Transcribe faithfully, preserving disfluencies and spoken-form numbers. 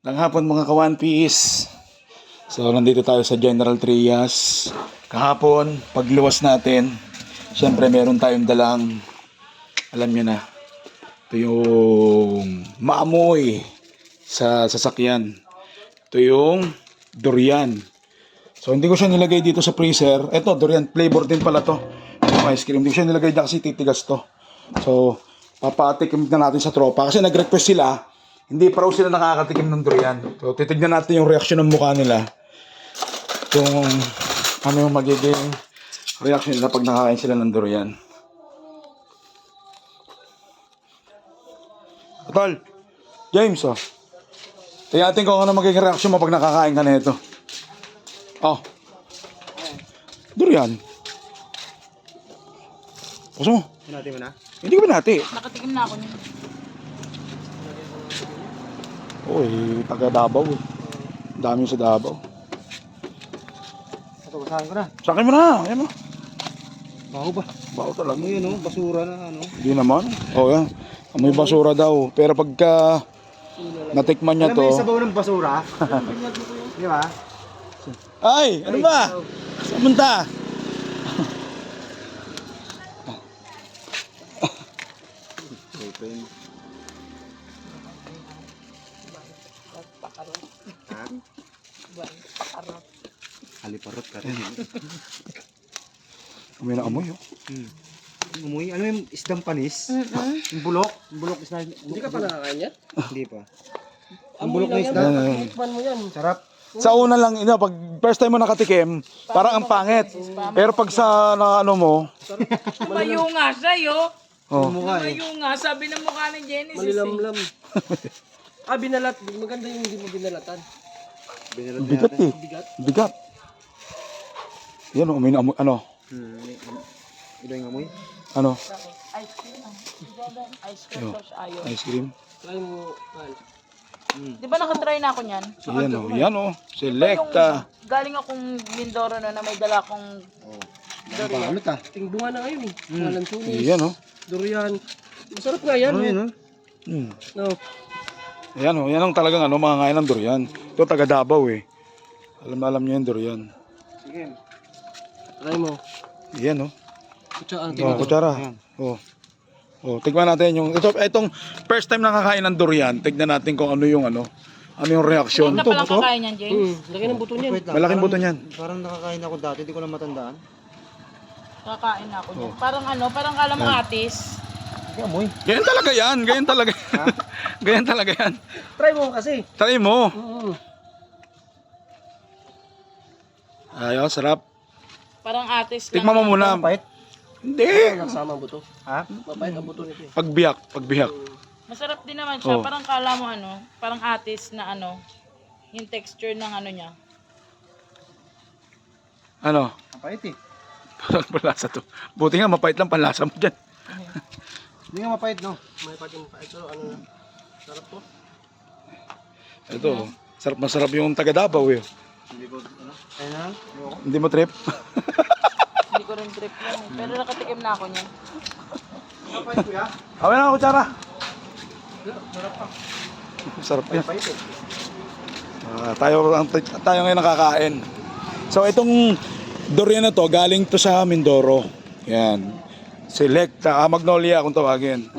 Ng hapon mga ka-One Piece. So, nandito tayo sa General Trias. Kahapon, pagluwas natin, syempre meron tayong dalang, alam nyo na, ito yung maamoy sa sasakyan. Ito yung durian. So, hindi ko siya nilagay dito sa freezer. Ito, durian flavor din pala to. Yung ice cream. Hindi ko siya nilagay dyan kasi titigas to. So, papatikim na natin sa tropa. Kasi nag-request sila, hindi pa raw sila nakakatikim ng durian. So, titignan natin yung reaksyon ng mukha nila. Kung ano yung magiging reaction nila pag nakakain sila ng durian. Tol, James, oh. Tingnan natin kung ano magiging reaction mo pag nakakain ka na ito. Oh. Durian. Puso mo. Hinati mo na? Hindi ko binati. Nakatikim na ako niya. Uy, taga Davao eh. Dami sa Davao. Ito, basahin ko na. Sa akin mo na, ayan mo. Baho ba? Baho talaga. Ano yun, oh? Basura na ano? Hindi naman. O yan. May basura daw. Pero pagka natikman niya Alam mo yung to. sabaw ng basura? Di ba? Ay! Ano ba? Saan punta? Haliparot ka rin. May naamoy oh. Hmm. Umuwi, ano yung isdang panis? Yung bulok? Yung bulok isda. Hindi ka pa nakakain yan? Hindi pa. Ang bulok na isda. Ayan, ayan. Sarap. Sa una lang, ino, pag first time mo nakatikim, parang ang pangit. Pero pag sa na, ano mo, Tumayo nga siya, yo. oh, Mukha eh. Tumayo nga, sabi ng mukha ni Genesis. Malilamlam. Ah, binalat. Maganda yung hindi mo binalatan. Binalat bigat natin. eh. Bigat. Yan oh, may naamoy, ano, Hmm. Ito yung amoy. ano, Ice cream. ah. Ice cream Yo. sauce ayaw. ice cream. Try mo, Al. Di ba nakatry na ako niyan? Yan oh, yan oh, selecta. Yung galing akong Mindoro na, na may dala akong Oh. durian. Balot ah. Tingbunga na ngayon eh. Mga lansunis, Yan oh. durian. Masarap nga yan. Ano eh. yun, oh? Hmm. No. Yan oh, yan ang talagang ano, mga ngayon ng durian. Ito taga Davao eh. Alam na alam niya yung durian. Sige. Try mo. Yan oh. Kutsa, ang Oh, tingin. kutsara. Oh. Oh, tignan natin yung ito itong first time nakakain ng durian. Tignan natin kung ano yung ano. Ano yung reaksyon. Hindi ka palang kakain yan, James. Hmm, laki ng buto niyan. Wait lang. Malaking Parang- buto niyan. Parang nakakain ako dati, hindi ko na matandaan. Kakain na ako niyan. Oh. Parang ano, parang kala mo atis. Hindi amoy. Ganyan talaga yan. Ganyan talaga. Ganyan talaga yan. Try mo kasi. Try mo. Mm. Ayaw, sarap. Parang atis lang. Tikman mo muna. Pahit. Hindi. Nagsama ang buto. Ha? Mapait ang buto nito eh. Pagbiyak, pagbiyak. Masarap din naman siya. Oh. Parang kala mo ano, parang atis na ano, yung texture ng ano niya. Ano? Ang pahit eh. Parang panlasa to. Buti nga, mapait lang panlasa mo dyan. Hindi nga mapahit, no? May pating pait. Pero ano na. Sarap to. Ito, sarap masarap yung taga Davao eh. Hindi ko, ano? Ayun na. Ayoko. Hindi mo trip? Hindi ko rin trip yan eh. Pero nakatikim na ako niyan. Mapahit kuya? Awin na, kutsara. Sarap pa. Sarap yan. Pahit eh. Ah, tayo, ang- tayo ngayon nakakain. So itong durian na to, galing to sa Mindoro. Yan. Selecta, ah, Magnolia kung tawagin.